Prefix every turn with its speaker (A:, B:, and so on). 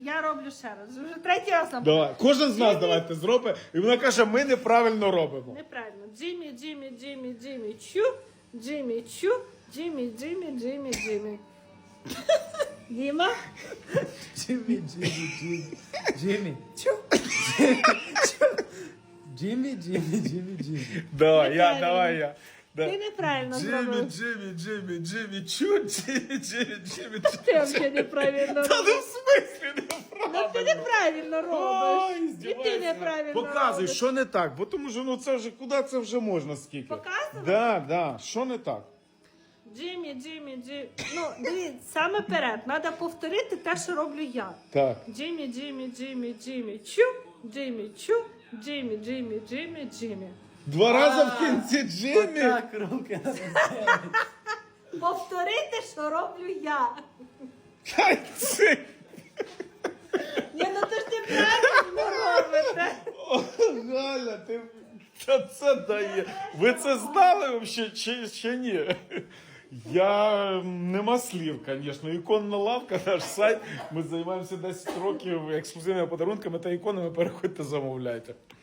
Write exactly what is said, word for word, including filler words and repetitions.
A: Я роблю ще раз. Вже третій раз нам.
B: Давай. Кожен з нас
A: Джиммі.
B: давайте зробить. І вона каже, ми неправильно робимо.
A: Неправильно. Джиммі, Джиммі, Джиммі, Джиммі, чу. Джиммі, чу. Джиммі, Джиммі, Джиммі, Джиммі. Діма?
C: Джиммі, Джиммі, Джиммі. Джиммі. Чу. Джиммі, Джиммі, Джиммі, Джиммі.
B: Давай, я,
A: Неправильно.
B: давай я. Да.
A: Ти неправильно
B: Джиммі,
A: зробив.
B: Джиммі, Джиммі, Джиммі, чу, Джиммі, Джиммі, Джиммі, чу.
A: Ти взагалі неправильно
B: Та ну
A: робиш.
B: в смислі
A: Ну
B: неправильно.
A: ти неправильно робиш.
B: Ой,
A: І ти
B: здівайся.
A: неправильно
B: Показуй,
A: робиш.
B: що не так, бо тому що ну це вже, куди це вже можна скільки?
A: Показувати?
B: Да, да, що не так?
A: Джиммі, Джиммі, Джиммі. Ну, дивіться, саме перед. Треба повторити те, що роблю я.
B: Так.
A: Джиммі, Джиммі, Джиммі, Джиммі, чу. Джиммі, чу. Джиммі, Джиммі, Джиммі, Джиммі.
B: Два рази в кінці Джиммі.
C: Так, руки на себе.
A: Повторити, що роблю я.
B: Та це.
A: Ні, ну то ж неправильно робите.
B: О, Галя, ти та це дає. Ви це знали взагалі чи, чи ні? Я нема слів, звісно. Іконна лавка, наш сайт. Ми займаємося десять років ексклюзивними подарунками та іконами. Переходьте, замовляйте.